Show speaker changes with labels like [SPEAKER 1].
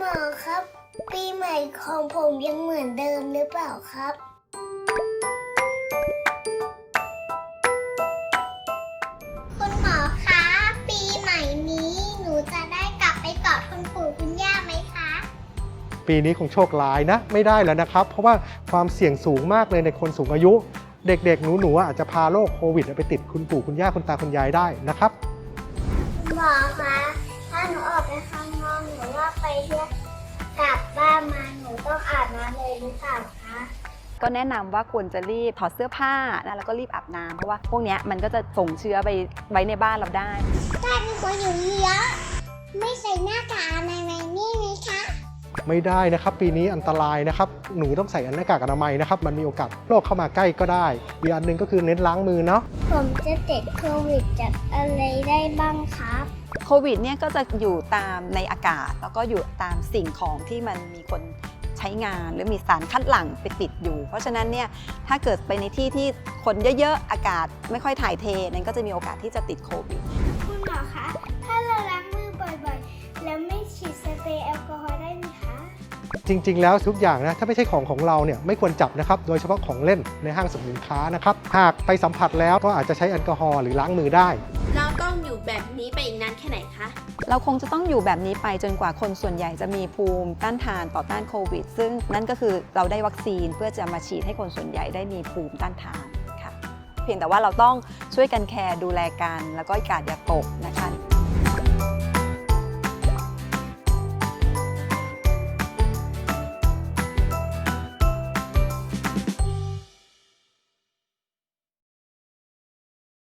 [SPEAKER 1] มอครับ ปีใหม่ของผมยังเหมือนเดิมหรือเปล่าครับ คุณหมอคะปีใหม่นี้หนูจะได้กลับไปกอดคุณปู่คุณย่าไหมคะ
[SPEAKER 2] ปีนี้คงโชคร้ายนะไม่ได้แล้วนะครับ เพราะว่าความเสี่ยงสูงมากเลยในคนสูงอายุ เด็กๆหนูๆอาจจะพาโรคโควิดไปติดคุณปู่คุณย่าคุณตาคุณยายได้นะครับ
[SPEAKER 1] คุณหมอคะถ้าหนูออกไปข้างนอกหรือว่าไปเที่ยวกลับบ้านมาหนูต้องอาบน้ำเลยหรือเปล่าคะ
[SPEAKER 3] ก็แนะนำว่าควรจะรีบถอดเสื้อผ้านะแล้วก็รีบอาบน้ำเพราะว่าพวกเนี้ยมันก็จะส่งเชื้อไปไว้ในบ้านเราได้
[SPEAKER 1] ถ้ามีคนอยู่เยอะไม่ใส่หน้ากากอนามัยนี่ไหมคะ
[SPEAKER 2] ไม่ได้นะครับปีนี้อันตรายนะครับหนูต้องใส่หน้ากากอนามัยนะครับมันมีโอกาสโรคเข้ามาใกล้ก็ได้อีกอันหนึ่งก็คือเน้นล้างมือเนาะ
[SPEAKER 1] ผมจะติดโควิดจากอะไรได้บ้างครับ
[SPEAKER 3] โควิดเนี่ยก็จะอยู่ตามในอากาศแล้วก็อยู่ตามสิ่งของที่มันมีคนใช้งานหรือมีสารคัดหลั่งไปติดอยู่ เพราะฉะนั้นเนี่ยถ้าเกิดไปในที่ที่คนเยอะๆอากาศไม่ค่อยถ่ายเทนั้นก็จะมีโอกาสที่จะติดโควิด
[SPEAKER 1] คุณหมอคะ ถ้าเราล้างมือบ่อยๆ แล้วไม่ฉีดสเปรย์แอลกอฮอล์ได้ไหมคะ
[SPEAKER 2] จริงๆแล้วทุกอย่างนะถ้าไม่ใช่ของเราเนี่ยไม่ควรจับนะครับโดยเฉพาะของเล่นในห้างสรรพสินค้านะครับหากไปสัมผัสแล้วก็อาจจะใช้แอลกอฮอล์หรือล้างมือได้
[SPEAKER 4] เราต้องอยู่แบบนี้ไปอีกนานแค่ไหนคะ
[SPEAKER 3] เราคงจะต้องอยู่แบบนี้ไปจนกว่าคนส่วนใหญ่จะมีภูมิต้านทานต่อต้านโควิด ซึ่งนั่นก็คือเราได้วัคซีนเพื่อจะมาฉีดให้คนส่วนใหญ่ได้มีภูมิต้านทานค่ะเพียงแต่ว่าเราต้องช่วยกันแคร์ดูแลกันแล้วก็กาดอย่าตกนะคะ